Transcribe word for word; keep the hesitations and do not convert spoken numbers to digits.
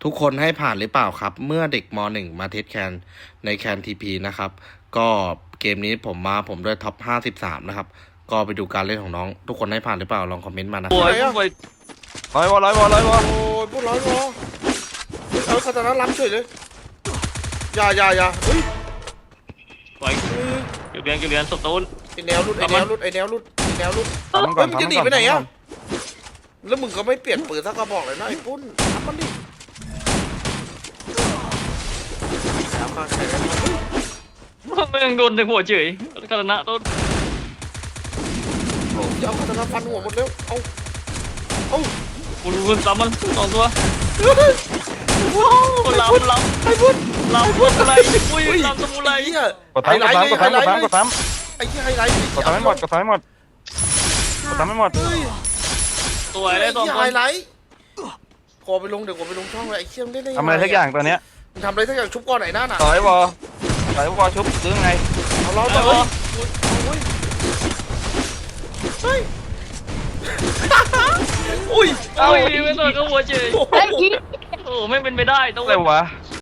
ทุกคนให้ผ่านหรือเปล่าครับ เมื่อเด็กม หนึ่ง มาเทสแคนในแคนทีพีนะครับ ก็เกมนี้ผมมาผมด้วยท็อปห้าสิบสามนะครับ ก็ไปดูการเล่นของน้อง ทุกคนให้ผ่านหรือเปล่าลองคอมเมนต์มานะโอ้ยไหนอะโอ้ยร้อยวอร้อยวอร้อยวอโอ้ยพวกร้อยวอเฮ้ยเอาคาตานะล้ำเฉยเลยอย่าอย่าอย่าเฮ้ยสวยเก็บเรียนเก็บเรียนสตูนไอแนวรุดไอแนวรุดไอแนวรุดไอแนวรุดทำมันก่เฮ้อย นมึงจะทำหนีมันก่อนไปไหนทำมันก่อะอนแล้วมึงก็ไม่เปลี่ยนปืนสักกระบอกเลยนะไอ้ปุ้นทำมันดิแล้วก็ใช้ได้ครับไม่ยังโดนในหัวเฉยคาตานะต้นจะเอาคาตานะฟันหัวหมดแล้วเอาเอากูรู้มันซ้ำมันสองตัวลำลำไอ้ปุ้นลำพุทอะไรอุ้ยลำสมุไรไอ้เหี้ยกดซ้ำกดซ้ำกดซ้ำกดซ้ำกดซ้ำไอ้เหี้ยไฮไลท์กดซ้ำให้หมดกดซ้ำให้หมดกดซ้ำให้หมดเฮ้ยสวยเลยไอ้สองเหี้ยคไฮนไลท์ขอไปลงเดี๋ยวขอไปลงช่องเลยไอ้เชี่ยมนได้ได้งทำอะไรสักอย่างตัวเนี้ยมึงทำอะไรสักอย่างชุบก้อนไหนหน้าหนาต่อยวอต่อยวอชุบหรือไงเอาล้อต่ต่ออยวอเฮ้ยอุ้ยอุ้ยไม่ต่อยก็หัวเฉยโอ้โหโอ้ไม่เป็นไปได้ต้องอะไรวะ